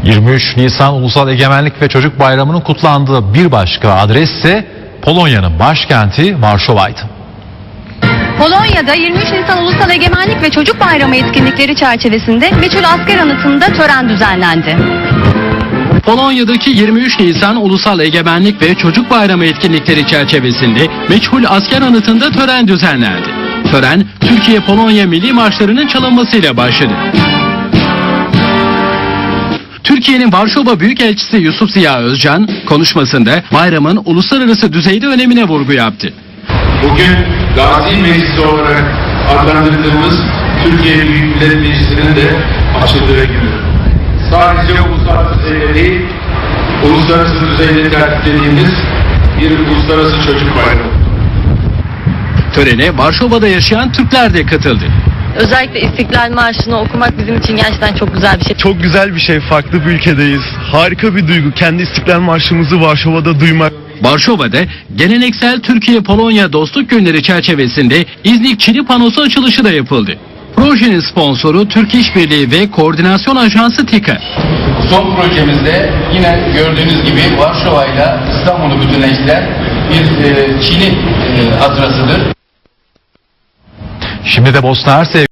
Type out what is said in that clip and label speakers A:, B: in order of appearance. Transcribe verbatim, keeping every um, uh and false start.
A: yirmi üç Nisan Ulusal Egemenlik ve Çocuk Bayramı'nın kutlandığı bir başka adres ise Polonya'nın başkenti Varşova'ydı.
B: Polonya'da yirmi üç Nisan Ulusal Egemenlik ve Çocuk Bayramı etkinlikleri çerçevesinde meçhul asker anıtında tören düzenlendi.
C: Polonya'daki yirmi üç Nisan Ulusal Egemenlik ve Çocuk Bayramı etkinlikleri çerçevesinde meçhul asker anıtında tören düzenlendi. Tören, Türkiye-Polonya milli marşlarının çalınmasıyla başladı. Türkiye'nin Varşova Büyükelçisi Yusuf Ziya Özcan konuşmasında bayramın uluslararası düzeyde önemine vurgu yaptı.
D: Bugün Gazi Meclisi olarak adlandırdığımız Türkiye Büyük Millet Meclisi'nin de açıldığı günü. Sadece uluslararası düzeyde değil, uluslararası düzeyde tertiplediğimiz bir uluslararası çocuk bayramı.
C: Törene Varşova'da yaşayan Türkler de katıldı.
E: Özellikle İstiklal Marşı'nı okumak bizim için gerçekten çok güzel bir şey.
F: Çok güzel bir şey, farklı bir ülkedeyiz. Harika bir duygu, kendi İstiklal Marşımızı Varşova'da duymak.
C: Varşova'da geleneksel Türkiye-Polonya Dostluk Günleri çerçevesinde İznik Çini Panosu açılışı da yapıldı. Projenin sponsoru Türk İşbirliği ve Koordinasyon Ajansı TİKA.
G: Son projemizde yine gördüğünüz gibi Varşova ile İstanbul'u bütünleştiren bir e, Çin'i e, hatırasıdır.
A: Şimdi de Bosna Hersek